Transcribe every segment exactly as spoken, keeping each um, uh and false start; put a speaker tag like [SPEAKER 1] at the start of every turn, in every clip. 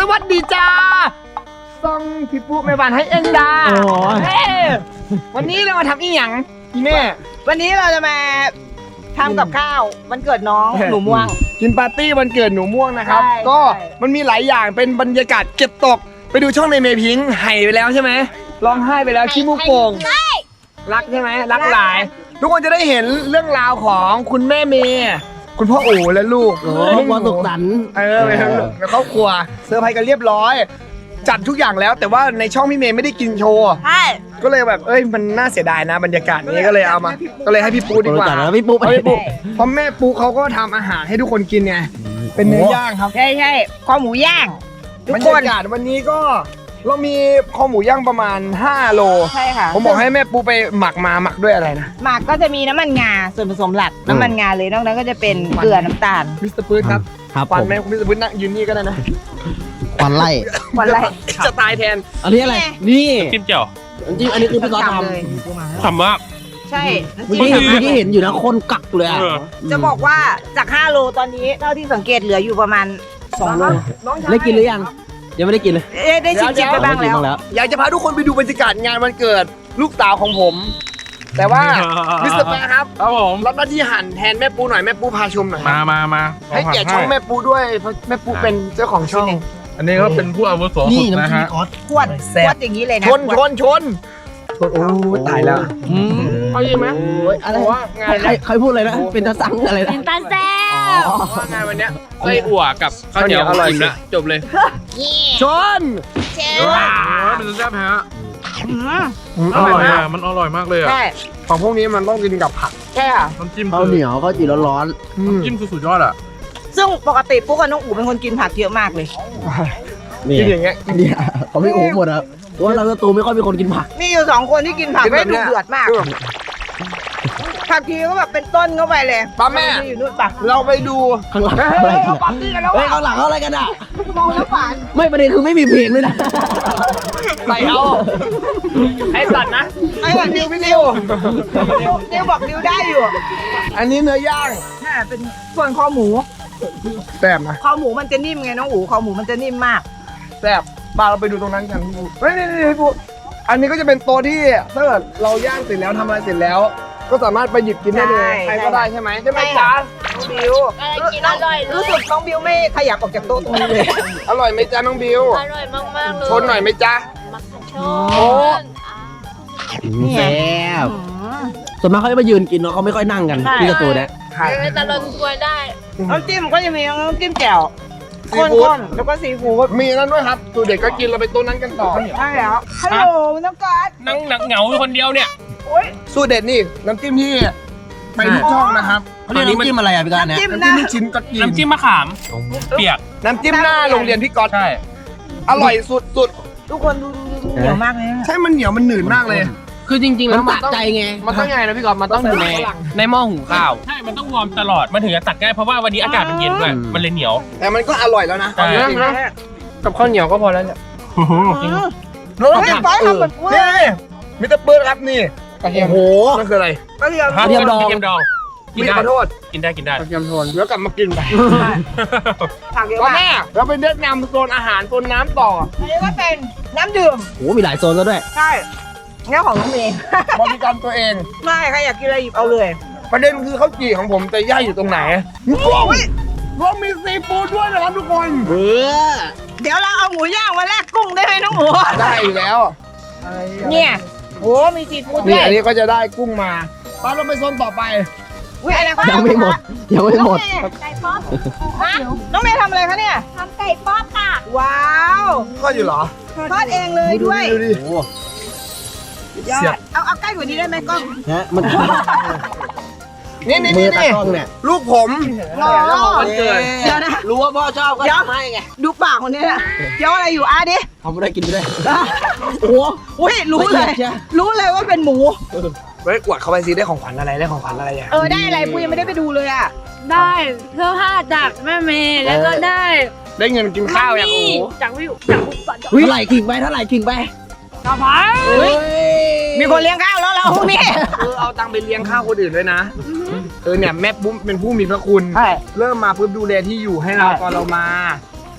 [SPEAKER 1] วัสดีจ้าซองพี่ปุ๊แม่บ้านให้เอ็นดาเฮ้วันนี้เรามาทำอีหยังพี่แม่
[SPEAKER 2] วันนี้เราจะมาทำกับข้าววันเกิดน้องหนูม่วง
[SPEAKER 1] กินปาร์ตี้วันเกิดหนูม่วงนะครับก็มันมีหลายอย่างเป็นบรรยากาศเก็บตกไปดูช่องในเมพิงค์ไห้ไปแล้วใช่ไหมร้องไห้ไปแล้วขี้มูกโป่งรักใช่ไหมรักหลายทุกคนจะได้เห็นเรื่องราวของคุณแม่เมย์คุณพ่อโอ๋และลูก
[SPEAKER 3] ครอบครัวสุขสันต์
[SPEAKER 1] เออเป็นครอบครัวเซอร์ไพรส์กันเรียบร้อยจัดทุกอย่างแล้วแต่ว่าในช่องพี่เมย์ไม่ได้กินโชว์
[SPEAKER 2] ใช่
[SPEAKER 1] ก็เลยแบบเอ้ยมันน่าเสียดายนะบรรยากาศนี้ก็เลยเอามาก็เลยให้พี่ปูดีกว่า
[SPEAKER 3] พี่ปู
[SPEAKER 1] พี่ปูเพราะแม่ปูเขาก็ทำอาหารให้ทุกคนกินไงเป็นเนื้อย่างครับ
[SPEAKER 2] ใช่ใช่คอหมูย่าง
[SPEAKER 1] บรรยากาศวันนี้ก็เรามีคอหมูย่างประมาณห้าโล
[SPEAKER 2] ใช่ค่ะ
[SPEAKER 1] ผมบอกให้แม่ปูไปหมักมาหมักด้วยอะไรนะ
[SPEAKER 2] หมักก็จะมีน้ำมันงาส่วนผสมหลักน้ำมันงาเลยนอกนั้นก็จะเป็นเกลือน้ำตาล
[SPEAKER 1] มิสเตอร์ปื้ดครับฟันแม่มิสเตอร์ปื้ดนั่งยืนนี่ก็ได้นะ
[SPEAKER 3] ฟันไล่
[SPEAKER 2] ฟันไล่
[SPEAKER 1] จะตายแทน
[SPEAKER 3] อันนี้อะไรนี่
[SPEAKER 4] จิ้มเจียว
[SPEAKER 3] จิ้มอันนี้คือพี่ก๊อตทำ
[SPEAKER 4] ทำมาก
[SPEAKER 2] ใช่
[SPEAKER 3] เมื่อกี้เห็นเมื่อกี้เห็นอยู่นะคนกักเลย
[SPEAKER 2] จะบอกว่าจากห้าโลตอนนี้เท่าที่สังเกตเหลืออยู่ประมาณสองโล
[SPEAKER 3] ได้กินหรือยังยังไม่ได้กินเลย
[SPEAKER 2] ได้ชิมชิมไปบ้างแล้ว
[SPEAKER 1] อยากจะพาทุกคนไปดูบรรยากาศงานวันเกิดลูกสาวของผมแต่ว่ามิสเตอร์แปะครับ
[SPEAKER 4] ครับผม
[SPEAKER 1] รับหน้าที่หั่นแทนแม่ปูหน่อยแม่ปูพาชมหน่อย
[SPEAKER 4] มามามา
[SPEAKER 1] ให้เกียรติช่องแม่ปูด้วยเพราะแม่ปูเป็นเจ้าของช่อง
[SPEAKER 4] อันนี้ก็เป็นผู้อาวุโสสุดนะฮะ
[SPEAKER 2] ขวดขวดอย่างนี้เลยนะ
[SPEAKER 1] ชนชนชนชนโอ้ตายแล้วเอายิงไหม
[SPEAKER 3] อะไรว่างานใครพูดเลยนะเป็นตาสังอะไรนะ
[SPEAKER 5] เป็นตาแซ่บ
[SPEAKER 1] ว่างานวันเนี้ย
[SPEAKER 4] ไส้อั่วกับข้าวเหนียวอร่อยละจบเลย
[SPEAKER 1] ชน
[SPEAKER 5] เจ้
[SPEAKER 4] าเป็นตาแซ่บฮะอร่อยอ่ะมันอร่อยมากเลยอ่ะ
[SPEAKER 1] ของพวกนี้มันต้องกินกับผัก
[SPEAKER 2] ใช่ค่ะ
[SPEAKER 4] น้ำจิ้ม
[SPEAKER 3] ข้าวเหนียวข้าวจี่ร้อน
[SPEAKER 4] ๆน้ำจิ้มสุดยอดอ่ะ
[SPEAKER 2] ซึ่งปกติปุ๊กกับน้องอู๋เป็นคนกินผักเยอะมากเลย
[SPEAKER 1] กินอย่างเงี้ย
[SPEAKER 3] เนี่ยเขาไม่โอ้หมดครับเพราะว่าเราตูไม่ค่อยมีคนกินผัก
[SPEAKER 2] มีอยู่สองคนที่กินผักได้ดุเดือดมากผักทีก็แบบเป็นต้นเข้าไปเลย
[SPEAKER 1] ป้าแม่
[SPEAKER 2] อยู่นู่นปะ
[SPEAKER 1] เราไปดู
[SPEAKER 3] ข้างหลัง
[SPEAKER 1] อะไรเขาปาร์ตี้กันแล้ว
[SPEAKER 3] เฮ้ยข้างหลังเขาอะไรกันอ่ะ
[SPEAKER 2] มองแล้วฝัน
[SPEAKER 3] ไม่ประเด็นคือไม่มีเพลงด้วยนะ
[SPEAKER 1] ใส่เอาไอ้สัตว์นะ
[SPEAKER 2] ไอ้สัตว์ดิวพี่ดิวดิวบอกดิวได้อยู่
[SPEAKER 1] อันนี้เนื้อย่าง
[SPEAKER 2] ใช่เป็นส่วนคอหมู
[SPEAKER 1] แซ่บนะ
[SPEAKER 2] คอหมูมันจะนิ่มไงน้องอู๋คอหมูมันจะนิ่มมาก
[SPEAKER 1] แซ่บมาเราไปดูตรงนั้นกันพี่ปูเฮ้ยนี่นี่พี่ปูอันนี้ก็จะเป็นโต๊ะที่ถ้าเกิดเราย่างเสร็จแล้วทำอะไรเสร็จแล้วก็สามารถไปหยิบกินได้เลยใครก็ได้ใช่ไหมใช่ไหมจ๊ะ
[SPEAKER 2] บิว
[SPEAKER 5] กินอร่อย
[SPEAKER 2] รู้สึกน้องบิวไม่ขยับออกจากโต๊ะตรงนี้เลย
[SPEAKER 1] อร่อยไหมจ๊ะน้องบิว
[SPEAKER 5] อร่อยมากมากเลย
[SPEAKER 1] ชนหน่อยไหมจ๊ะ
[SPEAKER 5] ชน
[SPEAKER 3] แซ่บส่วนมากเขาจะมายืนกินเนาะเขาไม่ค่อยนั่งกันที่สตูเนี่ย
[SPEAKER 5] ไม่ตะลนกล้วยได้
[SPEAKER 2] น้ำจิ้มก็จะมีน้ำจิ้มแจ่วข้นๆแล้วก็ซีฟู้ด
[SPEAKER 1] มีนั่นด้วยครับสูตรเด็กก็กินเราไปโต๊ะนั้นกันต่อ
[SPEAKER 2] ใช่แล้วฮัลโหลน้องกัส
[SPEAKER 4] นั่งหนักเหงาคนเดียวเนี่ย
[SPEAKER 1] สูตรเด็ดนี่น้ำจิ้มที่ไปทุกช่องนะครับ
[SPEAKER 3] เขาเรียกน้ำจิ้มอะไรอ่ะพี่การเนี่ย
[SPEAKER 1] น้ำจิ้มชิ้นก็กิน
[SPEAKER 4] น้ำจิ้มมะขามเปียก
[SPEAKER 1] น้ำจิ้มหน้าโรงเรียนพี่ก๊อต
[SPEAKER 4] ใช่
[SPEAKER 1] อร่อยสุดสุด
[SPEAKER 2] ทุกคนดูเหนียวมากเลย
[SPEAKER 1] ใช่มันเหนียวมันหนืดมากเลย
[SPEAKER 3] คือจริงๆแล้วมันใจไง
[SPEAKER 1] มันต้องไงนะพี่ก๊อตมันต้องอยู่ใน
[SPEAKER 4] ในหม้อหุงข้าวใช่มันต้องวอร์มตลอดมันถึงจะตัดง่ายเพราะว่าวันนี้อากาศมันเย็นด้วยมันเลยเหนียว
[SPEAKER 1] แต่มันก็อร่อยแล้วนะกับข้าวเหนียวก็พอแล้วเนี่ย
[SPEAKER 2] รสชาติทำเหมือน
[SPEAKER 1] นี่มิสเตอร์เบิร์ดครับนี่กระเทียมโอ้โหนั่นคืออะไร
[SPEAKER 2] กระเทียม
[SPEAKER 4] กระเทียมดองกระเทียมดอง
[SPEAKER 1] กินได้ขอโทษ
[SPEAKER 4] กินได้กินได้
[SPEAKER 1] กระเทียมโทนแล้วกลับมากินไปก็แม่เราไปแนะนำโซนอาหารโซนน้ำต่อ
[SPEAKER 2] อันนี้ก็เป็นน้ำดื่ม
[SPEAKER 3] โอ้มีหลายโซนแล้วด้วย
[SPEAKER 2] ใช่งั้นของน้องเมย์
[SPEAKER 1] บริการตัวเอง
[SPEAKER 2] ไม่ใครอยากกินอะไรหยิบเอาเลย
[SPEAKER 1] ประเด็นคือข้าวจี่ของผมแต่ย่าอยู่ตรงไหนรวมรวมมีซีฟู้ดด้วยนะครับทุกคน
[SPEAKER 3] เบื่อ
[SPEAKER 2] เดี๋ยวเราเอาหมูย่างมาแลกกุ้งได้ไหมน้องหมู
[SPEAKER 1] ได้อยู่แล้ว
[SPEAKER 2] เนี่ยโอ้มีซีฟู้ด
[SPEAKER 1] ด้วยอันนี้ก็จะได้กุ้งมาป้าเราไปโซนต่อไป
[SPEAKER 3] ยังไม่หมดยังไม่หมด
[SPEAKER 5] ไก่ป๊อป
[SPEAKER 2] น้องเมย์ทำอะไรคะเนี่ย
[SPEAKER 5] ทำไก่ป๊อปค่ะ
[SPEAKER 2] ว้าว
[SPEAKER 1] ทอดอยู่เหรอ
[SPEAKER 2] ทอดเองเลยด้วย
[SPEAKER 1] ดูดิ
[SPEAKER 2] ยอดเอาเอาใกล้กว่านี้ได้ไหมกล้อง
[SPEAKER 3] ฮะมัน
[SPEAKER 1] นี่นี่นี่นี่ลูกผม
[SPEAKER 2] รอ
[SPEAKER 1] วันเกิด
[SPEAKER 2] เดี๋ยวนะ
[SPEAKER 3] รู้ว่าพ่อชอบก็ทำให้ไง
[SPEAKER 2] ดูปากคนนี้นะเดี๋ยวอะไรอยู่อ่ะดิ
[SPEAKER 3] ทำไม่ได้กินไม่ได้
[SPEAKER 2] โอ้โหรู้เลยรู้เลยว่าเป็นหมู
[SPEAKER 1] เฮ้ยกวดเข้าไปซิได้ของขวัญอะไรได้ของขวัญอะไรอ่ะ
[SPEAKER 2] เออได้อะไรปุ้ยยังไม่ได้ไปดูเลยอ่ะ
[SPEAKER 5] ได้เสื้อผ้าจากแม่เมย์แล้วก็ได้
[SPEAKER 1] ได้เงินกินข้าวอย่างโอ้
[SPEAKER 5] จากวิวจากวิว
[SPEAKER 3] เท่าไหร่ขิงไปเท่าไหร่ขิงไป
[SPEAKER 5] กระเพรา
[SPEAKER 2] มีคนเลี้ยงข้าวแล้วเราพวกนี้
[SPEAKER 1] เออเอาตังค์ไปเลี้ยงข้าวคนอื่นด้วยนะเออเนี่ยแม่ปุ๊บเป็นผู้มีพระคุณเริ่มมาปุ๊บดูแลที่อยู่ให้เราตอนเรามา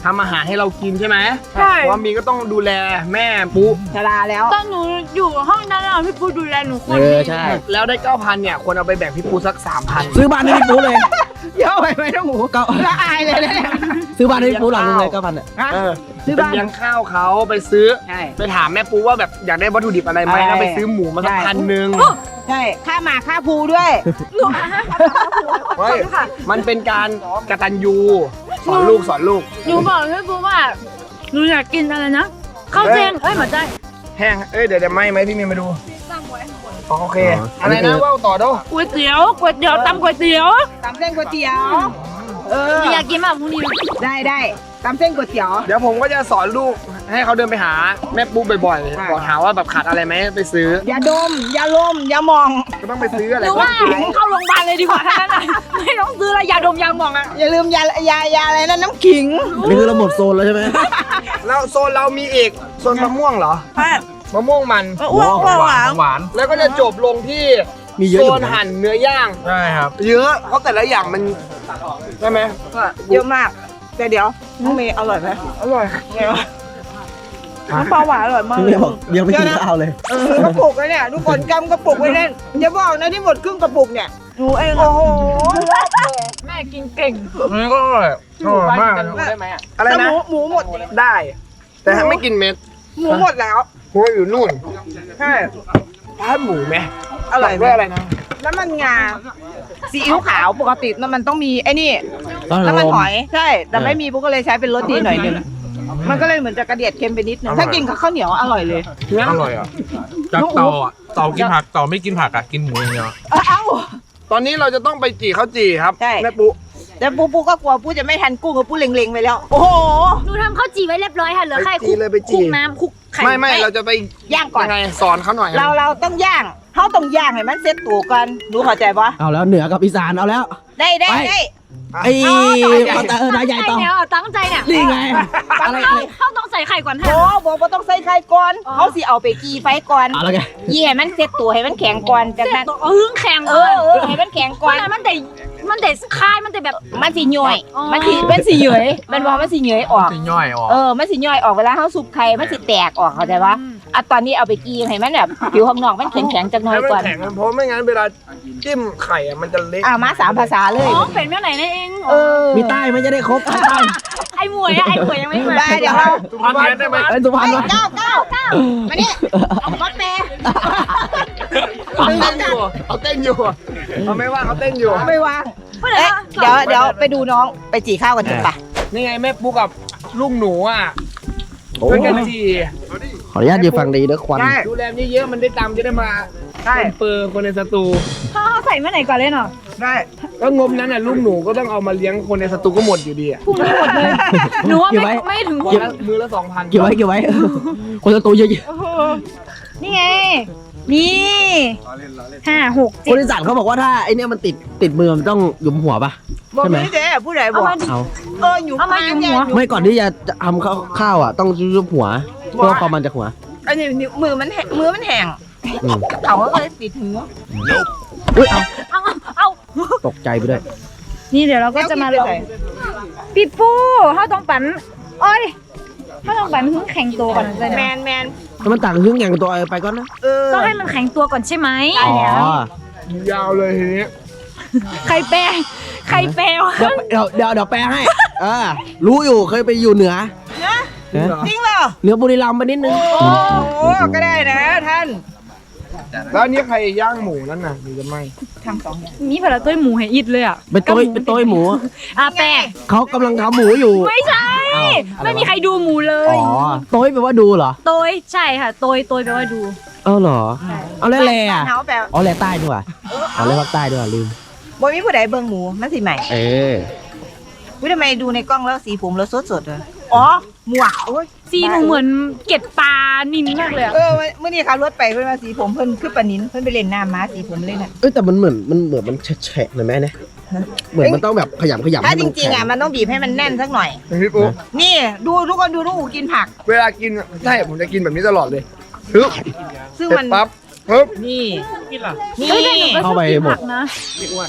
[SPEAKER 1] ทำอาหารให้เรากินใช่ไหม
[SPEAKER 5] ใช่
[SPEAKER 1] เพราะว่ามีก็ต้องดูแลแม่ปุ๊
[SPEAKER 2] ชราแล้ว
[SPEAKER 5] ตอนหนูอยู่ห้องนั้นอะพี่ปูดูแลหนูคน
[SPEAKER 3] เอ
[SPEAKER 5] ดี
[SPEAKER 3] อใช่
[SPEAKER 1] แล้วได้เก้าพันเนี่ยควรเอาไปแบ่งพี่ปุ๊สักสามพัน
[SPEAKER 3] ซื้อบ้านให้พี่ปูเลย
[SPEAKER 2] เยอะไปไหมน้องหมู
[SPEAKER 3] ก็
[SPEAKER 2] ละอายเลยเนี่ย
[SPEAKER 3] ซื้อบ้านให้พี่ปูหลังนึงเลยเก้าพันอ่ะ
[SPEAKER 2] ฮะ
[SPEAKER 1] เออ
[SPEAKER 2] ซื้อ
[SPEAKER 1] ไป
[SPEAKER 2] บ้าน
[SPEAKER 1] เลี้ยงข้าวเขาไปซื้อ
[SPEAKER 2] ใช่
[SPEAKER 1] ไปถามแม่ปุ๊ว่าแบบอยากได้วัตถุดิบอะไรไหม
[SPEAKER 2] ใช่
[SPEAKER 1] แล้วไปซื้อหมูมาสัก
[SPEAKER 2] ใช่
[SPEAKER 1] พันหนึ่ง
[SPEAKER 2] ใช่ค่าหมาค่าภูด้วย
[SPEAKER 1] เฮ้ยมันเป็นการกตัญญูสอนลูกสอนลูก
[SPEAKER 5] หนูบอกพี่ปูว่าหนูอยากกินอะไรนะข้าวแกงเอ้ยหมาใจ
[SPEAKER 1] แห้งเอ้ยเดี๋ยวเดี๋ยวไหมไหมพี่เมย์มาดูอ๋อโอเค
[SPEAKER 3] อ๋ออั
[SPEAKER 1] อะไร
[SPEAKER 3] นนี้
[SPEAKER 1] นะ
[SPEAKER 3] คือ
[SPEAKER 1] ว่าวต่อโด
[SPEAKER 5] ก๋วยเตี๋ยวก๋วยเตี๋ยวตำก๋วยเตี๋ยว
[SPEAKER 2] ตำเส้นก๋วยเตี๋ยว เอ
[SPEAKER 5] ห
[SPEAKER 2] อ
[SPEAKER 5] นูอยากกินมากพรุ่งนี้
[SPEAKER 2] ได้ได้ตำเส้นก๋วยเตี๋ยว
[SPEAKER 1] เดี๋ยวผมก็จะสอนลูกให้เขาเดินไปหาแม่ปุ๊บ่อย
[SPEAKER 2] ใช่
[SPEAKER 1] ๆบอกหาว่าแบบขาดอะไรไหมไปซื้อ
[SPEAKER 2] อย่าดม อย่าลม อย่ามอง
[SPEAKER 1] ก็ต้องไปซื้ออะไร
[SPEAKER 5] หรือว่าเข้าโรงพยาบาลเลยดีกว่าทั้งนั้นอะไม่ต้องซื้ออะไรยาดมยาหมองอะ
[SPEAKER 2] อย่าลืมยายายาอะไรนะน้ำขิง
[SPEAKER 3] อันนี้คือเราหมดโซนแล้วใช่ไหม
[SPEAKER 1] แล้วโซนเรามีอีกโซนมะม่วงเหรอ
[SPEAKER 2] ใช่
[SPEAKER 1] มะม่วงมัน
[SPEAKER 2] อ้วกอ้วกหวาน
[SPEAKER 4] หวาน
[SPEAKER 1] แล้วก็จะจบลงที่
[SPEAKER 3] มีเยอะ
[SPEAKER 1] โซ
[SPEAKER 3] อยู่
[SPEAKER 1] น
[SPEAKER 3] นะ
[SPEAKER 1] หั่นเนื้อย่าง
[SPEAKER 4] ใช่ครับ
[SPEAKER 1] เยอะเพราะแต่ละอย่างมันใช่ไหม
[SPEAKER 2] เยอะมาก แต่เดี๋ยวน้องเมย์อร่อยไหมอร่อยไงวะน้ำปลาหวานอร่อยมาก
[SPEAKER 3] พี่เมย์บอกยังไม่กินข้าวเลย
[SPEAKER 2] เออกระปุกเลยเนี่ยทุกคนกำกระปุกไว้เล่นอย่าบอกนะที่หมดครึ่งกระปุกเนี่ยหนูเองโอ้โห
[SPEAKER 5] แม่กินเก่ง
[SPEAKER 4] อันนี้ก็อร่อยอร่อยมาก
[SPEAKER 1] ได้ไหมอะไร
[SPEAKER 2] แต่ห
[SPEAKER 1] นะ
[SPEAKER 2] มูหมูหมด
[SPEAKER 1] ได้ แต่ถ้าไม่กินเม็ด
[SPEAKER 2] หมูหมดแล้ว
[SPEAKER 1] หัวอยู่นู่น
[SPEAKER 2] ใช่
[SPEAKER 1] ถ้าหมูไหม
[SPEAKER 2] อร่อยไหม
[SPEAKER 1] ด้วยอะไรนะ
[SPEAKER 2] น้ำมันงาซีอิ๊วขาวปกติน้ำมันต้องมีไอ้นี่
[SPEAKER 3] ต้อง
[SPEAKER 2] น้ำมัน
[SPEAKER 3] ลม
[SPEAKER 2] หอยใช่ แต่ไม่มีปุ๊กก็เลยใช้เป็นรสดีหน่อยหนึงมันก็เลยเหมือนจะกระเดียดเค็มไปนิดนึงถ้ากินกับข้าวเหนียวอร่อยเลย
[SPEAKER 4] อร่อยอ่ะจากเตาอ่ะเตากินผักเตาไม่กินผักอ่ะกินหมูอย่างเดียว
[SPEAKER 2] เอ้า
[SPEAKER 1] ตอนนี้เราจะต้องไปจี่ข้าวจี่ครับ
[SPEAKER 2] ใช่
[SPEAKER 1] แม่ปุ๊
[SPEAKER 2] แต่ปูปูก็กลัวปูจะไม่ทันกุ้งกับปูเล็งๆไปแล้ว โอ้โห
[SPEAKER 5] หนูทำข้าวจี่ไว้เรียบร้อยค่ะเหลือ
[SPEAKER 1] ไป
[SPEAKER 5] แค่
[SPEAKER 1] จี่เลยไป
[SPEAKER 5] คลุ
[SPEAKER 1] จี่
[SPEAKER 5] กน้ำคลุกไข่
[SPEAKER 1] ไม่ไม่เราจะไป
[SPEAKER 2] ย่างก่อน
[SPEAKER 1] ยังไงสอนเขาหน่อย
[SPEAKER 2] เราเราต้องย่างเขาต้องย่างให้มันเซ็ตตัวก่อนรู้เข้าใจปะ
[SPEAKER 3] เอาแล้วเหนือกับอีสานเอาแล้ว
[SPEAKER 2] ได้ได้
[SPEAKER 3] ไป
[SPEAKER 2] ได้
[SPEAKER 3] ไอ้
[SPEAKER 2] เอาต่อ
[SPEAKER 3] เออนายใหญ่ต่อ
[SPEAKER 5] เนี่ยตั้งใจเนี่ย
[SPEAKER 3] นี่ไง อะไร
[SPEAKER 5] เข้า
[SPEAKER 3] อะไร
[SPEAKER 5] เข้าต้องใส่ไข่ก่อน
[SPEAKER 2] โอ้
[SPEAKER 5] ค่ะ
[SPEAKER 2] บอกว่าต้องใส่ไข่ก่อนเขาสิเอาไปกีไฟก่อน
[SPEAKER 3] เอาแล้วไง
[SPEAKER 2] ยี่ให้มันเซ็ตตัวให้มันแข็งก่อนจากนั้น
[SPEAKER 5] เออแข็ง
[SPEAKER 2] เอ
[SPEAKER 5] ก่อ
[SPEAKER 2] อน เออให้มันแข็งก่อน
[SPEAKER 5] มันแต่มันแต่คายมันแต่แบบ
[SPEAKER 2] มันสิย่อย
[SPEAKER 5] อ๋อ
[SPEAKER 2] มันสิมันสิเหยอยมันบอกมันสิเหยอยออก
[SPEAKER 4] จะย่อยออก
[SPEAKER 2] เออ มันสิย่อยออกเวลาเขาสุบไข่มันสิแตกออกเข้าใจปะอ่ะตอนนี้เอาไปกีให้มันแบบผิวข้างนอกมันแข็งๆจักหน่อย
[SPEAKER 1] ให้มัน
[SPEAKER 2] ก่อน
[SPEAKER 1] แข็งเพราะไม่งั้นเวลาจิ้มไข่อะมันจะเละ
[SPEAKER 2] อ่ะมาสามภาษาเลย
[SPEAKER 5] อ๋อเป็นเมื่อไหร่นั่นเอง
[SPEAKER 2] เออ
[SPEAKER 3] มีใต้ไหม่จะได้ครบใต้
[SPEAKER 5] ไอ้หมวยอะไอ้หมวยยังไม่มา
[SPEAKER 2] ได้เดี๋ยวเรา
[SPEAKER 1] สุพรรณเรียนได้ไหม
[SPEAKER 3] ไอ้ยสุพรรณ
[SPEAKER 2] เฮ้ยว
[SPEAKER 3] ะ
[SPEAKER 2] เก้าเก้าเก้ามานี่เอารถเมย์
[SPEAKER 1] เอาเต้นอยู่เอาเต้นอยู่เอาไม่ว่าเขาเต้นอยู่
[SPEAKER 2] ไม่วางเอ๊ะเดี๋ยวเดี๋ยวไปดูน้องไปจีข้าวกันจุดปะ
[SPEAKER 1] นี่ไงแม่ปุ๊กกับลูกหนูอ่ะ
[SPEAKER 3] โอ้
[SPEAKER 1] ช่วยกันจี่
[SPEAKER 3] ขออนุญาตยืนฟังดีเด้อควัน
[SPEAKER 1] ดูแลเยอะๆมันได้ตามจะได้มา
[SPEAKER 2] ใช่
[SPEAKER 1] เปอร์คนในสตู
[SPEAKER 5] เขาเอาใส่เมื่อไหร่ก่อนเลยเนาะ
[SPEAKER 2] ได้
[SPEAKER 1] ก็งบนั้นน่ะลูกหนูก็ต้องเอามาเลี้ยงคนในสตูก็หมดอยู่ดีอ่ะ
[SPEAKER 5] พุ่งหมดเลยหนูว่าไม่ไม่ถึง
[SPEAKER 1] วันละมือละสองพัน
[SPEAKER 3] เก็บไว้เก็บไว้ คนจะตูเยอะ
[SPEAKER 5] นี่ไง นี่ห้าหก
[SPEAKER 3] ๆค
[SPEAKER 5] เจ็
[SPEAKER 3] น
[SPEAKER 5] ด
[SPEAKER 3] อีสานเขาบอกว่าถ้าไอเนี้ยมันติดติดมือมันต้องหยุมหัวปะ
[SPEAKER 2] บอก
[SPEAKER 3] ใช่ไหม
[SPEAKER 2] นี่เจ๊ผู้ใดบ
[SPEAKER 5] เอา
[SPEAKER 2] อก
[SPEAKER 5] มาดิ
[SPEAKER 3] เอา
[SPEAKER 2] เอออยู่
[SPEAKER 5] เอามาอยู่หัว
[SPEAKER 3] ไม่ก่อนที่จะทำข้าวข้าวอ่ะต้องยุบหัวเพื่อความมันจากหัว
[SPEAKER 2] อันนี้นิ้วมือมันแห้งมือมันแห้ง
[SPEAKER 3] อืม
[SPEAKER 2] เขาก็เลยติดหู
[SPEAKER 3] อุ้ยเอา
[SPEAKER 5] เอาเอา
[SPEAKER 3] ตกใจไปด้วย
[SPEAKER 5] นี่เดี๋ยวเราก็จะมาลองปีปูเขาต้องปั่นโอ้ยเขาต้องปั่นให้แข็งตัวก่อนเลย
[SPEAKER 2] แม
[SPEAKER 5] นะ
[SPEAKER 2] นแมน
[SPEAKER 3] ถ้ามันต่างหึ่งอย่างตัวไปก่อนนะ
[SPEAKER 2] เออ
[SPEAKER 5] ต้องให้มันแข็งตัวก่อนใช่ไหม
[SPEAKER 3] อ๋อ
[SPEAKER 1] ยาวเลยทีนี้
[SPEAKER 5] ใครแปลใครแปลวะ
[SPEAKER 3] เดี๋ยวเดี๋ยวเดี๋ยวเดี๋ยวแปลให้เออรู้อยู่เคยไปอยู่เหนือ
[SPEAKER 2] นะ
[SPEAKER 3] นะ
[SPEAKER 2] จริงเหรอ
[SPEAKER 3] เหนือบุรีรัมย์ไปนิดนึง
[SPEAKER 2] โอ้โหก็ได้นะท่าน
[SPEAKER 1] แล้วอันนี้ใครย่างหมูนั่นน่ะหรือจะไม่
[SPEAKER 2] ทำสองอย่าง
[SPEAKER 5] มีผลาต้ยหมูให้อิดเลยอ่ะ
[SPEAKER 3] เป็นโต้ยเป็นโต้ยหมู
[SPEAKER 5] อ่ะแปล
[SPEAKER 3] เขากำลังทำหมูอยู่
[SPEAKER 5] ไม่ใช่
[SPEAKER 3] อ้าวอะไรวะ
[SPEAKER 5] ไม่มีใครดูหมูเล
[SPEAKER 3] อ๋
[SPEAKER 5] ย
[SPEAKER 3] อโต้ยแปลว่าดูเหรอ
[SPEAKER 5] โตยใช่ค่ะโตยโตยแปลว่าดู
[SPEAKER 3] เออเหรอเอาแล้วแลอ่ะ
[SPEAKER 2] เขาแบบ
[SPEAKER 3] อ๋อแลใต้ด้วยว่ะอ๋อแลภาคใต้ด้วยว่ะลืม
[SPEAKER 2] บ่มีผู้ใดเบิ่งหมูมันสิใหม่
[SPEAKER 3] เออ
[SPEAKER 2] วิทำไมดูในกล้องแล้วสีผมเราสดสดๆเลยอ๋อหมวกโอ้ย
[SPEAKER 5] ซีหนูเหมือนเก็ดปลานินมากเลยอะ
[SPEAKER 2] เออเมื่อนี้ขับรถไปเพิ่นมาสีผมเพิ่นคือปานินเพิ่นไปเล่นน้ำมาสีผมเลยน่ะ
[SPEAKER 3] เอ้ยแต่มันเหมือนมันเหมือนมันแฉะๆหน่อยไหมเนี่ยเหมือนมันต้องแบบขยำขยำ
[SPEAKER 2] ถ้า
[SPEAKER 3] ให้
[SPEAKER 2] จ
[SPEAKER 3] มัน
[SPEAKER 2] ริงๆอ่ะมันต้องบีบให้มันแน่นสักหน่อย
[SPEAKER 1] พี่ปุ๊ก
[SPEAKER 2] นี่ดูทุกคนดูน้องอูกินผัก
[SPEAKER 1] เวลากินใช่ผมจะกินแบบนี้ตลอดเลยฮึบ
[SPEAKER 2] ซึ่ง
[SPEAKER 1] เสร็
[SPEAKER 2] มัน
[SPEAKER 1] จปั๊บฮึบ
[SPEAKER 2] นี่
[SPEAKER 4] กินเหรอ
[SPEAKER 2] นี่
[SPEAKER 5] เฮ้ยแต่หนูก็ชอบกินผักนะ
[SPEAKER 1] พี่อ้วน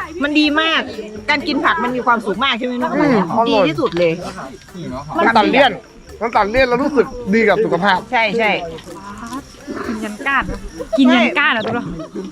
[SPEAKER 2] มันดีมาก การกินผักมันมีความสุขมากใช่ไหมน้อง
[SPEAKER 1] อืมอร่
[SPEAKER 2] ดี
[SPEAKER 1] อย
[SPEAKER 2] ที่สุดเลย
[SPEAKER 1] มันตัดเลี่ยนมันตัดเลี่ยนแล้วรู้สึกดีกับสุขภาพ
[SPEAKER 2] ใช่ใช่
[SPEAKER 5] กินยันก้านกินยันก้านเหรอตัวเรา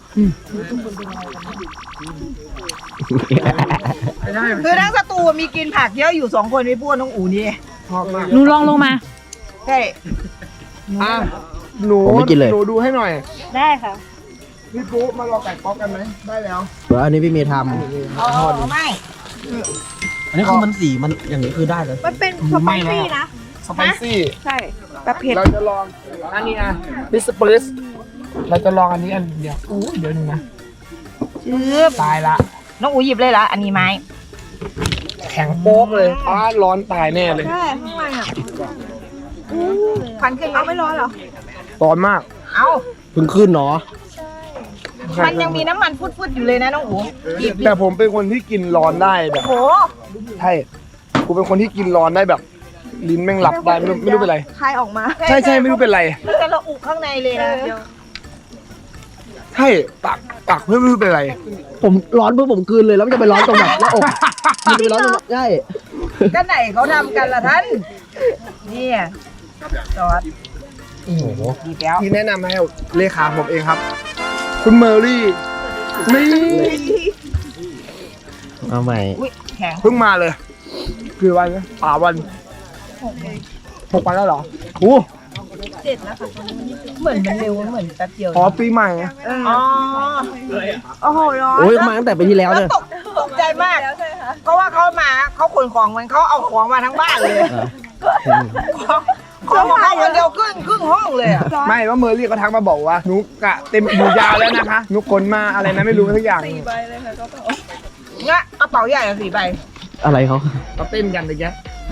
[SPEAKER 2] คือทั้งสตูมีกินผักเยอะอยู่สองคนไม่พูดน้องอูนี่
[SPEAKER 1] ชอบมาก
[SPEAKER 5] หนูลองลงมา
[SPEAKER 2] ใช่
[SPEAKER 1] อ่ะหนู
[SPEAKER 3] ผมไม่กินเลย
[SPEAKER 1] หนูดูให้หน่อย
[SPEAKER 5] ได้ค่ะ
[SPEAKER 1] พี่ปุ๊มารอไก่ป๊อกกันไหมได้แล้ว
[SPEAKER 3] เดี๋ยวอันนี้พี่เมย์ท
[SPEAKER 2] อ๋อไม่
[SPEAKER 3] ำอันนี้คือมันสีมันอย่างนี้คือได้เลย
[SPEAKER 2] มันเป็นสไปซี่นะ
[SPEAKER 1] สไปซี่
[SPEAKER 2] ใช่แบบเผ็ด
[SPEAKER 1] เราจะลองอันนี้นะบิสเปอร์สเราจะลองอันนี้อันเดียวอู้เดี๋ยวหนึงนะ
[SPEAKER 2] ชืบ
[SPEAKER 1] ตายละ
[SPEAKER 2] น้องอูหยิบเลยละอันนี้ไม้
[SPEAKER 1] แข็งโป๊กเลยอ้าร้อนตายแน่เลย
[SPEAKER 2] ใช่ข้างในอ่ะฟันขึ้นเอาไม่ร้อนเหรอ
[SPEAKER 1] ร้อนมาก
[SPEAKER 2] เอา
[SPEAKER 3] เพิ่งขึ้นเนาะ
[SPEAKER 2] มันยังมีน้ำมันฟุดๆอยู่เลยนะน้องอูหยิบ
[SPEAKER 1] แต่ผมเป็นคนที่กินร้อนได้แบบ
[SPEAKER 2] โห
[SPEAKER 1] ใช่กูเป็นคนที่กินร้อนได้แบบ ลิ้นแม่งหลับได้ไม่รู้ไม่รู้เป็นไร
[SPEAKER 2] คายออกมา
[SPEAKER 1] ใช่ใช่ไม่รู้เป็นไร
[SPEAKER 2] แต่เราอุข้างในเลยนะเดี๋ยว
[SPEAKER 1] ใช่ปากปากเพื่อนไม่รู้เป็นไร
[SPEAKER 3] ผมร้อนเพื่อผมกลืนเลยแล้วมันจะไปร้อนตรงแบบหน้าอกมันจะไปร้อนตรงใช่
[SPEAKER 2] ก็ไหนเขาทำกันล่ะท่านเนี่ยซอส
[SPEAKER 1] โอ้โห
[SPEAKER 2] ดีแล้ว
[SPEAKER 1] ที่แนะนำให้เลขาผมเองครับ คุณเมอรี่นี่
[SPEAKER 3] เอาใหม่
[SPEAKER 2] อุ้ยแข็ง
[SPEAKER 1] เพิ่งมาเลยคือวันนะป่าวันหกวันแล้วเหรอโอ้
[SPEAKER 2] เหมือนมันเร็วเหมือนแป๊บเดียว
[SPEAKER 1] ขอปีใหม่
[SPEAKER 2] อ๋อโอ้โหร้อน
[SPEAKER 3] โอ้ยมาตั้งแต่ปีที่แล้ว
[SPEAKER 2] แล้ว
[SPEAKER 3] เนี่ย
[SPEAKER 2] ตกตกใจมากเพราะว่าเขามาเขาขนของมันเขาเอาของมาทั้งบ้านเลย
[SPEAKER 3] เออ
[SPEAKER 2] ของของของเขาคนเดียวครึ่งครึ่งห้องเลยอ่ะ
[SPEAKER 1] ไม่ว่าเมอรี่เขาทักมาบอกว่านุกอะเต็มอยู่ยาวแล้วนะคะนุกคนมาอะไรนะไม่รู้ทุกอย่าง
[SPEAKER 2] งะกระเป๋าใหญ่อะสี่ใบ
[SPEAKER 3] อะไรเขา
[SPEAKER 1] เขาเต้นกันเลยแก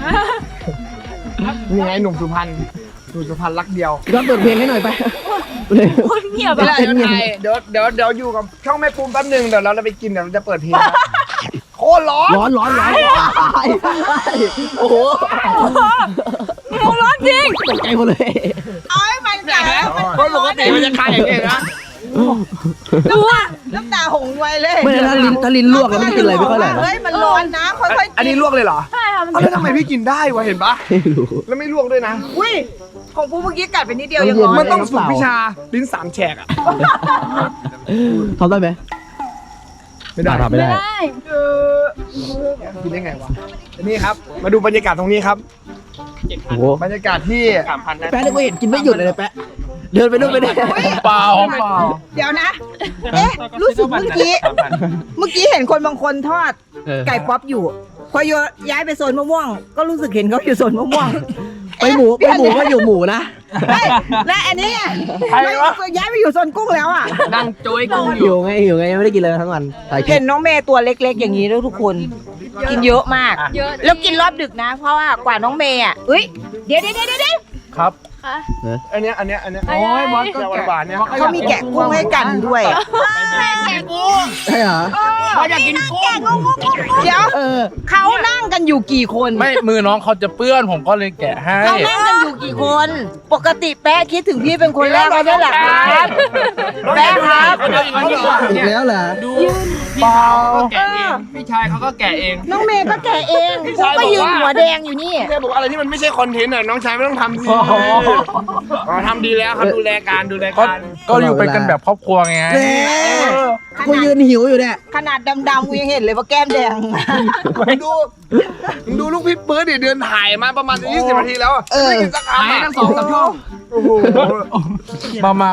[SPEAKER 1] นี่ไงหนุ่มสุพรรณหนุ่มสุพรรณรักเดียว
[SPEAKER 3] ก็เปิดเพลงให้หน่อยไปเลย
[SPEAKER 5] คนเงียบ
[SPEAKER 1] เวลา
[SPEAKER 5] อะ
[SPEAKER 1] เดี๋ยวถ่ายเดี๋ยวเดี๋ยวเดี๋ยวอยู่กับช่องแม่ปูมแป๊บหนึงเดี๋ยวเราจะไปกินเดี๋ยวเราจะเปิดเพลงนะโคตรร้อน
[SPEAKER 3] ร้อนร้อนร้อนโอ้โห
[SPEAKER 5] มึงร้อนจริง
[SPEAKER 3] ตกใจหมดเลย
[SPEAKER 2] เอาให้มันแก่แล้ว
[SPEAKER 1] เพราะปกติมันจะคายอย่างนี้นะ
[SPEAKER 2] น้ำตาน้ำตาหงไวเลย
[SPEAKER 3] ไม่ได้ถ้าลิ้นถ้าลิ้นลวกแล้วไม่กินอะไรไม่ค่อยอร่อยนะ
[SPEAKER 2] เฮ้ยมันร้อนนะค่อยๆ
[SPEAKER 1] อันนี้ลวกเลยเหรอ
[SPEAKER 5] ใช่ค่ะมัน
[SPEAKER 1] เอาแล้วทำไมพี่กินได้วะเห็นปะ
[SPEAKER 3] ไม่รู้
[SPEAKER 1] แล้วไม่ลวกด้วยนะ
[SPEAKER 2] อุ้ยของปูเมื่อกี้กัดไปนิดเดียว
[SPEAKER 3] มัน
[SPEAKER 2] ยัง
[SPEAKER 3] เย็น
[SPEAKER 2] ร้อน
[SPEAKER 1] มัน
[SPEAKER 2] เลย
[SPEAKER 1] ต้องฝึกวิชาลิ้นสามแฉกอะ
[SPEAKER 3] ทำได้ไหม
[SPEAKER 1] ไม่ได้
[SPEAKER 3] ทำไม่ได้
[SPEAKER 5] ได้
[SPEAKER 1] กินได้ไงวะนี่ครับ มาดูบรรยากาศตรงนี้ครับ
[SPEAKER 3] โอ้โห
[SPEAKER 1] บรรยากาศที่
[SPEAKER 4] สามพันได้
[SPEAKER 3] แป๊ะเนี่ยก็เห็นกินไม่หยุดเลยนะแป๊ะเดินไปนู่นไปนี่
[SPEAKER 4] เปล่าเปล่า
[SPEAKER 2] เดี๋ยวนะ เอ๊ะรู้สึกเมื่อกี้ เมื่อกี้เห็นคนบางคนทอด ไก่ป๊อปอยู่ พอโยย้ายไปโซนมะม่วง ก็รู้สึกเห็นเขาอยู่โซนมะม่วง
[SPEAKER 3] ไปหมูไปหมูก็อยู่หมูนะ
[SPEAKER 2] เฮ้ยและอันนี้อ่ะ
[SPEAKER 1] ใครวะ
[SPEAKER 2] ย้ายไปอยู่โซนกุ้งแล้วอ่ะ
[SPEAKER 4] นั่งโจ้ยกุ้งอ
[SPEAKER 3] อยู่ ยู่ไงอยู่ไงไม่ได้กินเลยทั้งวันถ่ายคลิ
[SPEAKER 2] เห็
[SPEAKER 3] ป
[SPEAKER 2] นน้องเมย์ตัวเล็กๆ อย่างนี้แล้วทุกคน กินเยอะมาก
[SPEAKER 5] เยอะ
[SPEAKER 2] แล้วกินรอบดึกนะ เพราะว่ากว่าน้องเมย์อ่ะเอ้ยเดี๋ยวเดี๋ยวเดี๋ยวเดี๋ยว
[SPEAKER 1] ครับ
[SPEAKER 5] ค่ะ
[SPEAKER 1] อันเนี้ยอันเนี้ยอันเนี้ย
[SPEAKER 5] โอ้
[SPEAKER 1] โอ้
[SPEAKER 5] ย
[SPEAKER 1] ยบอสก็หวานๆเนี่ย
[SPEAKER 2] เขามีแกะกุ้งให้กันด้วย
[SPEAKER 3] ใช่เหรอ
[SPEAKER 2] เขาอยากกินกุ้งเดี๋ยว
[SPEAKER 3] เออ
[SPEAKER 2] เขานั่งกันอยู่กี่คน
[SPEAKER 4] ไม่มือน้องเขาจะเปื้อนผมก็เลยแกะให้
[SPEAKER 2] เขานั่งกันอยู่กี่คน ปกติแป๊ะคิดถึงพี่เป็นคนแรกเลยแหละครับแป๊ะครับ
[SPEAKER 3] อีกแล้วเหรอ
[SPEAKER 4] ดูพี่เขาก็แกะเองพี่ชายเขาก็แกะเอง
[SPEAKER 2] น้องเมย์ก็แกะเองเขาก็ยืนหัวแดงอยู่นี่
[SPEAKER 1] แค่บอกว่าอะไรที่มันไม่ใช่คอนเทนต์อ่ะน้องชายไม่ต้องทำสิอ๋อทำดีแล้วครับดูแลการดูแล
[SPEAKER 4] ก็
[SPEAKER 1] การ
[SPEAKER 4] ก็อยู่เป็นกันแบบครอบครัวไง
[SPEAKER 3] แหมกูยืนหิวอยู่เนี่ย
[SPEAKER 2] ขนาดดำๆกูยังเห็นเลยว่าแก้มแดง
[SPEAKER 1] มึงดูมึงดูลูกพี่ปื๊ดดิเดินถ่ายมาประมาณยี่สิบนาทีแล้วอะ
[SPEAKER 3] เออ
[SPEAKER 1] ไม่กินสักคำอะทั้งสองสามช่องโอ้โห
[SPEAKER 4] มามา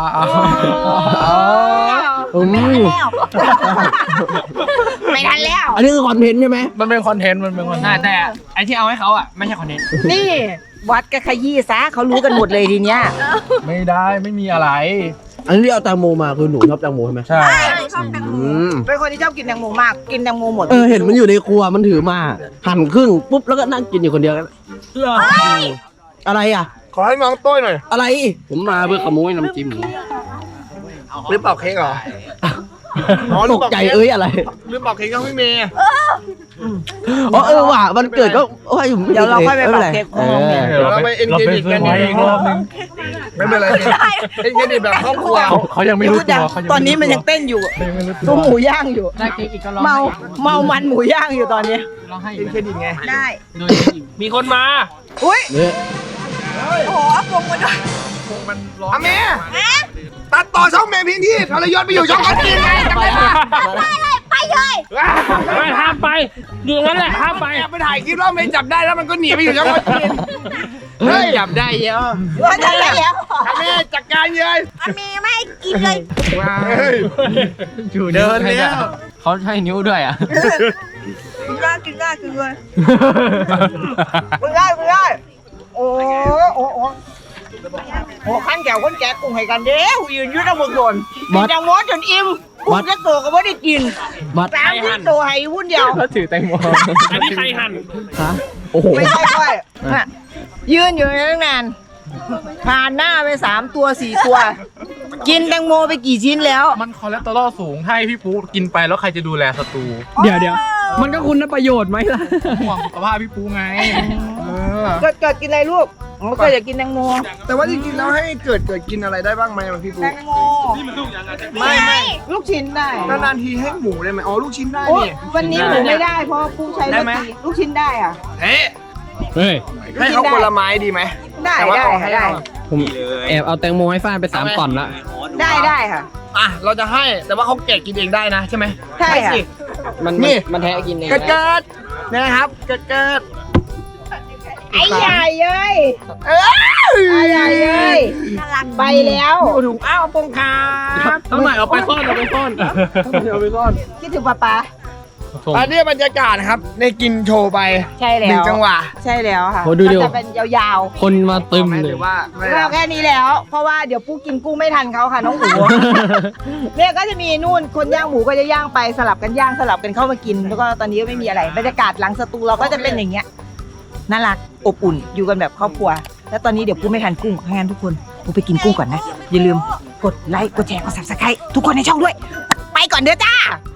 [SPEAKER 3] อืม
[SPEAKER 2] ไม่ทันแล้ว
[SPEAKER 3] อันนี้คือคอนเทนต์ใช่ไหม
[SPEAKER 4] มันเป็นคอนเทนต์มันเป็นคอนเทนต์
[SPEAKER 6] แต่ไอที่เอาให้เขาอ่ะ ไม่ใช่คอนเทนต์
[SPEAKER 2] นี่วัดกับขยี้ซะเขารู้กันหมดเลยทีเนี้ย
[SPEAKER 4] ไม่ได้ไม่มีอะไร
[SPEAKER 3] อันนี้ที่เอาแตงโมมาคือหนูชอบแตงโมใช่ไหม
[SPEAKER 4] ใช่
[SPEAKER 3] อืม
[SPEAKER 2] เป็นคนที่ชอบกินแตงโมมาก กินแตงโมหมด
[SPEAKER 3] เออเห็นมันอยู่ในครัวมันถือมา หั่นครึ่งปุ๊บแล้วก็นั่งกินอยู่คนเดียวกันอะไรอ่ะ
[SPEAKER 1] ขอให้น้องโต้ยหน่อย
[SPEAKER 3] อะไร
[SPEAKER 6] ผมมาเพื่อขโมยน้ำจิ้ม
[SPEAKER 1] หรือเปล่าเค้กเหรออ๋อ
[SPEAKER 3] ตกใจเอ้ยอะไร
[SPEAKER 1] หรือเปล่าเค้กก็ไม่มี
[SPEAKER 3] อ๋อเออว่ะมันเกิดก็โอ้ยผมม่
[SPEAKER 2] เดี๋ยวเราค่อยไป
[SPEAKER 3] ม่
[SPEAKER 2] เป่า
[SPEAKER 3] ป็นร
[SPEAKER 2] เค้ก
[SPEAKER 3] เอ
[SPEAKER 2] ของน้อง
[SPEAKER 3] อ
[SPEAKER 2] เนี่ย
[SPEAKER 1] เดี๋ยวเราไป engage กัน
[SPEAKER 4] เซอร์ไพรส์อีกรอบนึง
[SPEAKER 1] ไม่เป็นไรเป็นเครดิตแบบครอบครัว
[SPEAKER 4] เขาเขายังไม่รู้ตัวเขายัง
[SPEAKER 2] ตอนนี้มันยังเต้นอยู่ตัวหมูย่างอยู่
[SPEAKER 6] ได้เค้กอีกก็ร้อง
[SPEAKER 2] เมาเมามันหมูย่างอยู่ตอนนี้
[SPEAKER 6] ร้องให้
[SPEAKER 1] เป็นเครดิตไง
[SPEAKER 2] ได้
[SPEAKER 6] โดยอีก
[SPEAKER 4] มีคนมา
[SPEAKER 2] อุ้ย
[SPEAKER 3] เนี่ย
[SPEAKER 2] โอ้โหเอาพวงมาด้วย
[SPEAKER 1] อาเมตัดต่อช่องเมพิงที่ทรยศไปอยู่ช่องคนอื่นไงจำได้ปะ
[SPEAKER 5] ไปเลย
[SPEAKER 4] ไม่ห้ามไปอยู่งั้นแหละห้ามไป
[SPEAKER 1] ไปถ่ายคลิปแล้วเมย์จับได้แล้วมันก็หนีไปอยู่ช่องคนอื่นเฮ้ย
[SPEAKER 6] จับได้เยอะ
[SPEAKER 2] ว่าจะแล้ว
[SPEAKER 1] อาเมจัดการเลย
[SPEAKER 5] อามีไม่ให้กินเลย
[SPEAKER 1] เฮ้ย
[SPEAKER 6] เดินแล้วเขาให้นิ้วด้วยอ่ะ
[SPEAKER 2] กินได้กินได้กินเลยกินได้กินได้โอ้โอ้โอ้โอ้ขั้นแก้วคนแก่กุ้งให้กันเด้อยืนยืดเอาหมดโดนกินจังหวะจนอิ่มกุ้งจะโตก็ไม่ได้กิน
[SPEAKER 3] บัตร
[SPEAKER 2] สามที่โตให้วุ่นเดียว
[SPEAKER 6] แล้วถือแตงโม
[SPEAKER 4] อันนี้ใครหั่น
[SPEAKER 3] ฮะโอ้โห
[SPEAKER 2] ไม่ใช่ด้วยน่ะยืนอยู่ตั้งนานผ่านหน้าไปสามตัวสี่ตัว กินแตงโมไปกี่ชิ้นแล้ว
[SPEAKER 7] มันคอเลสเตอรอลสูงถ้าให้พี่ปูกินไปแล้วใครจะดูแลสตู
[SPEAKER 6] เดี๋ยวเดี๋ยวมันก็คุณประโยชน์ไหมล่ะ
[SPEAKER 7] ห่วงสุขภาพพี่ปูไง เออ
[SPEAKER 2] เกิดเกิดกินอะไรลูกอ๋อเกิดอยากกินแตงโม
[SPEAKER 1] แต่ว่าจริงๆแล้วให้เกิดเกิดกินอะไรได้บ้างไหมพี่ปู
[SPEAKER 2] แตงโม
[SPEAKER 1] ไม่ไม่
[SPEAKER 2] ลูกชิ้นได้
[SPEAKER 1] นานๆทีให้หมูได้ไหมอ๋อลูกชิ้นได้
[SPEAKER 2] โอ้
[SPEAKER 1] นี่
[SPEAKER 2] วันนี้หมูไม่ได้เพราะกุ้งใช้
[SPEAKER 1] ได้
[SPEAKER 2] รส
[SPEAKER 1] ไหม
[SPEAKER 2] ดีลูกชิ้นได้อ่ะ
[SPEAKER 1] เฮ้ย
[SPEAKER 6] เฮ้ย
[SPEAKER 1] ให้เขาคนละไม้ดีไหม
[SPEAKER 2] ได้
[SPEAKER 1] แต่ว่า
[SPEAKER 2] ได้
[SPEAKER 1] ขอ
[SPEAKER 2] ค่ะ
[SPEAKER 1] ให้
[SPEAKER 2] ได้
[SPEAKER 1] เรา
[SPEAKER 6] ผมแอบเอาแตงโมให้ฟ้านไปสามก่อนละ
[SPEAKER 2] ได้ได้ค่ะ
[SPEAKER 1] อ่ะเราจะให้แต่ว่าเขาแกะกินเองได้นะใช่ไหม
[SPEAKER 2] ใช่ค่ะ
[SPEAKER 1] สิ
[SPEAKER 6] มัน
[SPEAKER 1] นี่
[SPEAKER 6] มันแท้กินเอง
[SPEAKER 1] เกิดเกิดนะครับเกิดเกิด
[SPEAKER 2] ไอ้ใหญ่เย้ย
[SPEAKER 1] เอ้ย
[SPEAKER 2] ไอ้ใหญ่เย้ยไปแล้ว
[SPEAKER 1] ถุงอ้าวปงคา
[SPEAKER 4] ต้องหน่อยเอาไปซ่อนเอาไปซ่อน
[SPEAKER 1] เอาไปซ่อน
[SPEAKER 2] คิดถึงป๊าป๊า
[SPEAKER 1] อันนี้บรรยากาศนะครับในกินโชว์ไป
[SPEAKER 2] ใช่
[SPEAKER 1] ห
[SPEAKER 2] แล้
[SPEAKER 1] นึ่ง
[SPEAKER 2] ว
[SPEAKER 1] จังหวะ
[SPEAKER 2] ใช่แล้วค่ะ
[SPEAKER 3] โอ้ดูดิ
[SPEAKER 2] ก็จะเป็นยาว
[SPEAKER 3] คนมาตึม
[SPEAKER 1] ไห
[SPEAKER 3] เล
[SPEAKER 1] รื
[SPEAKER 3] ย
[SPEAKER 1] อว่าไม่
[SPEAKER 2] ๆ
[SPEAKER 1] ได้
[SPEAKER 2] เราแค่นี้แล้ว เพราะว่าเดี๋ยวปุ๊กกินกุ้งไม่ทันเขาค่ะน้องหมู เนี่ยก็จะมีนู่นคนย่างหมูก็จะย่างไปสลับกันย่างสลับกันเข้ามากิน แล้วก็ตอนนี้ก็ไม่มีอะไรบรรยากาศหลังสตูเราก็จะเป็นอย่างเงี้ยน่ารักอบอุ่นอยู่กันแบบครอบครัว แล้วตอนนี้เดี๋ยวปุ๊กไม่ทันกุ้งงั้นทุกคนปุ๊กไปกินกุ้งก่อนนะอย่าลืมกดไลค์กดแชร์กดซับสไครต์ทุกคนในช่องด้วย ไปก่อนเด้อจ้า